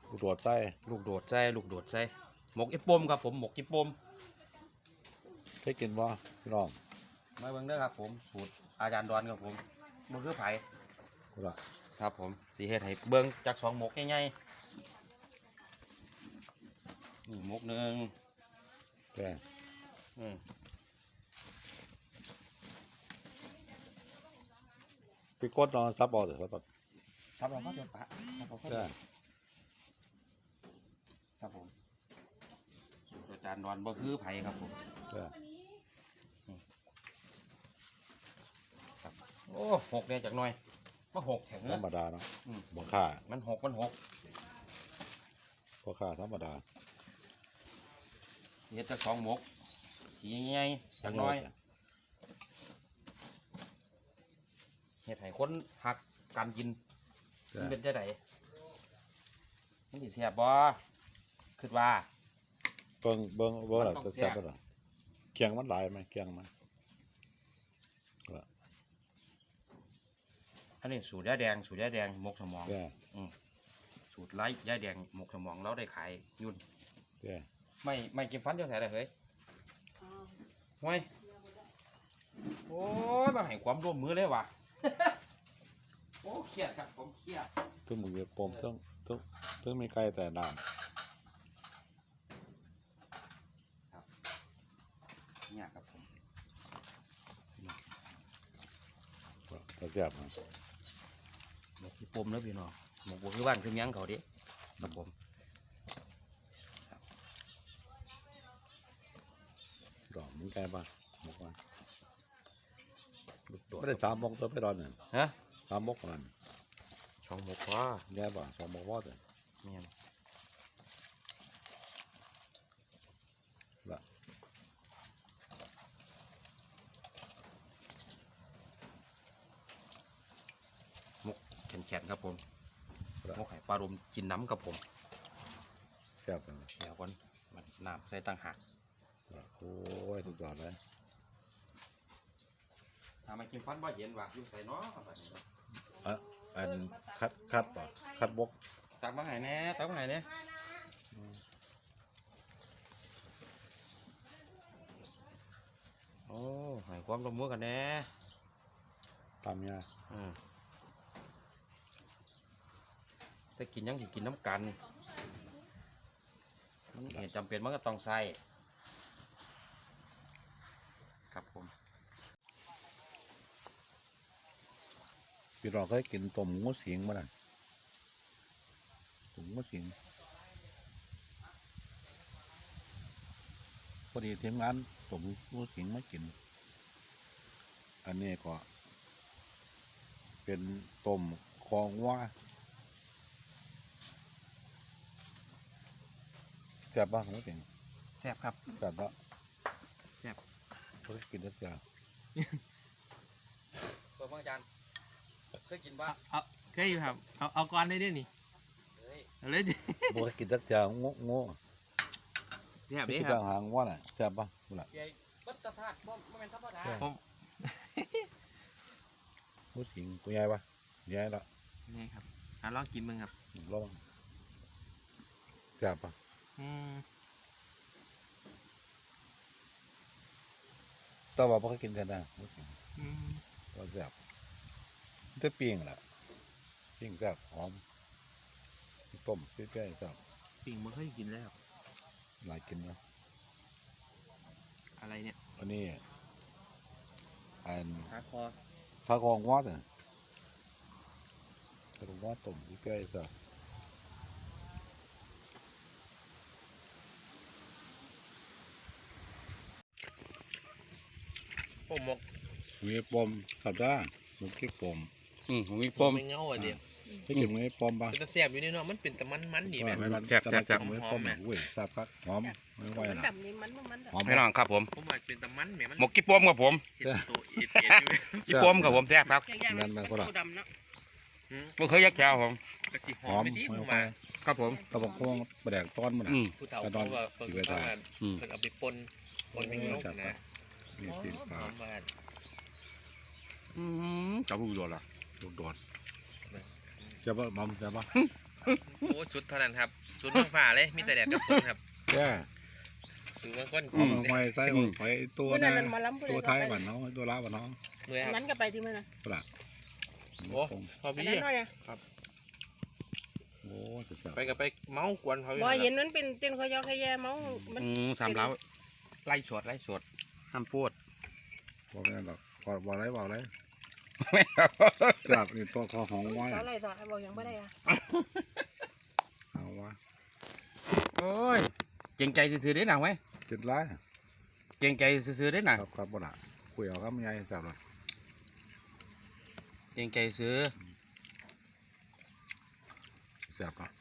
ลูกโดดใส่ลูกโดดใส่ลูกโดดใส่หมกอีปมครับผมหมกอีปมเคยกินบ่พี่น้องมาเบิ่งเด้อครับผมสูตรอาจารย์ดอนครับผมมันคือไผ่กูละครับผมสีเฮ็ดให้เบิ่งจากสองหมกง่ายๆนี่หมกหนึ่งแกพี่กดนอนซับเอาเถอะครับซับเราก็เดี๋ยวปะซับเราก็เดี๋ยวครับผมสูตรอาจารย์ดอนบ่คือไผ่ครับผมโอ้หกเนี่ยจากหน่อยมาหกแข็งธรรมดาเนาะบ่ค่ามันหกบ่ค่าธรรมดาเฮ็ดจากสองหมกสีง่ายจากน้อยเฮ็ดให้คนหักการกินมันเป็นจะไดมันสิแซ่บบ่คิดว่าเบิ่งล่ะจะแซ่บบ่ล่ะเคียงมันหลายมั้ยเคียงมันอันนี้สูตรยาแดงหมกสมองสูตรไร้ยาแดงหมกสมองเราได้ขายยุ่นไม่กินฟันเจ้าแสได้เฮ้ยห่วยโอ้ยมาให้ความร่วมมือเลยว่ะโอ้เครียดครับผมเครียดตึ้งมือปมตึ้งมีไก่แต่น้ำครับเนี่ยครับผมก็แซ่บนะหมกปมแล้วพี่น้องหมกคือบ้านคือยังเขาดิครับผมดอกมึงไก่ป่ะหมกมันไม่ได้3 มกตัวไปดอนเนี่ยฮะ 3 มกมันสองหมกว่าแย่ป่ะ2 มกว่าเลยเนี่ยละหมกแข็งครับผมหมกไข่ปลาดมกินน้ำครับผมแซ่บเลยเดี๋ยวก่อนมันน้ำใส่ตั้งหักโอ้ยสุดยอดเลยทำไมกินฟันบ่เห็นว่ะอยู่ใส่น้อแบบนี้อันคัดป่ะคัดบกตักมาให้แน่ตักมาให้แน่โอ้ให้ความร่วมมือกันแน่ตามยาถ้ากินยังกินน้ำกันเหตุจำเป็นมันก็ต้องใส่ครับผมพี่เราเคยกินต้มงูสิงมาแล้วต้มงูสิงพอดีทีมงานต้มงูสิงมากินอันนี้ก็เป็นต้มคองว่าแซ่บบ้างงูสิงแซ่บครับแซ่บละแซ่บเคยกินได้จ้ะตัวพ่ออาจารย์เคยกินบ้างเคยอยู่ครับเอาก้อนได้ด้วยนี่เลยดิบ่เคยกินได้จ้ะงูแซ่บดีครับหางว่าน่ะแซ่บบ้างล่ะใหญ่บัตรศาสตร์บ่เป็นธรรมดางูสิงตัวใหญ่ปะใหญ่ละนี่ครับลองกินมึงครับลองแซ่บปะแต่ว่าบ่เคยกินแต่นะก็แซ่บจะปิ้งแหละปิ้งแซ่บหอมต้มเปรี้ยวๆแซ่บปิ้งมันเคยกินแล้วหลายกินนะอะไรเนี่ยอันนี้อันขาคอง้อเนี่ยขาคอง้อต้มเปรี้ยวๆแซ่บปมหมกมีปมขับได้หมกขี้ปมมีปมไม่เงาอ่ะเดี๋ยวให้กินมีปมปะเป็นแซ่บอยู่นี่เนาะมันเป็นแต่มันดีแบบแซ่บมีปมอุ้ยแซ่บครับหอมไม่ไหวนะหอมให้น้องครับผมว่าเป็นแต่มันหมกขี้ปมครับผมขี้ปมครับผมแซ่บครับนั่นมันก็ได้ไม่เคยยักแก้วผมหอมไม่ไหวครับผมกระบอกโค้งประแดกต้อนมันผู้เฒ่าเขาว่าเพิ่งเอาไปปนเป็นลูกนะนี่ติดปากจับลูกโดดละลูกโดดจะบ่มัมจะบ่โอ้สุดเท่านั้นครับสุดเมืองฟ้าเลยมีแต่แดดกับฝนครับแก่สุดเมืองคนเอาหอยใส่หอยตัวเมื่อนะนั้นมันมาล้ำตัวไทยบ้านน้องตัวลาวบ้านน้องเมื่อครับนั้นก็ไปที่เมื่อนั้นปลาโอ้พออันพี่นั้นน้อยเนี่ยโอ้จะแซ่บไปกับไปเมากวนเขาอยู่บ่นั่นเห็นล่ะมันเป็นเต้นขอยอขยแย่เมามันสามเล้าไล่สดห้ามพูดบอกไม่ได้หรอกบอกอะไรจับนี่ตัวคอหองไว้ต่ออะไรต่อบอกยังไม่ได้อะเอาวะโอ้ยเก่งใจซื้อๆได้หนังไหมกินไรเก่งใจซื้อๆได้หนังครับบ่ละคุยเอาครับไม่ใหญ่จับเลยเก่งใจซื้อแซ่บเนาะ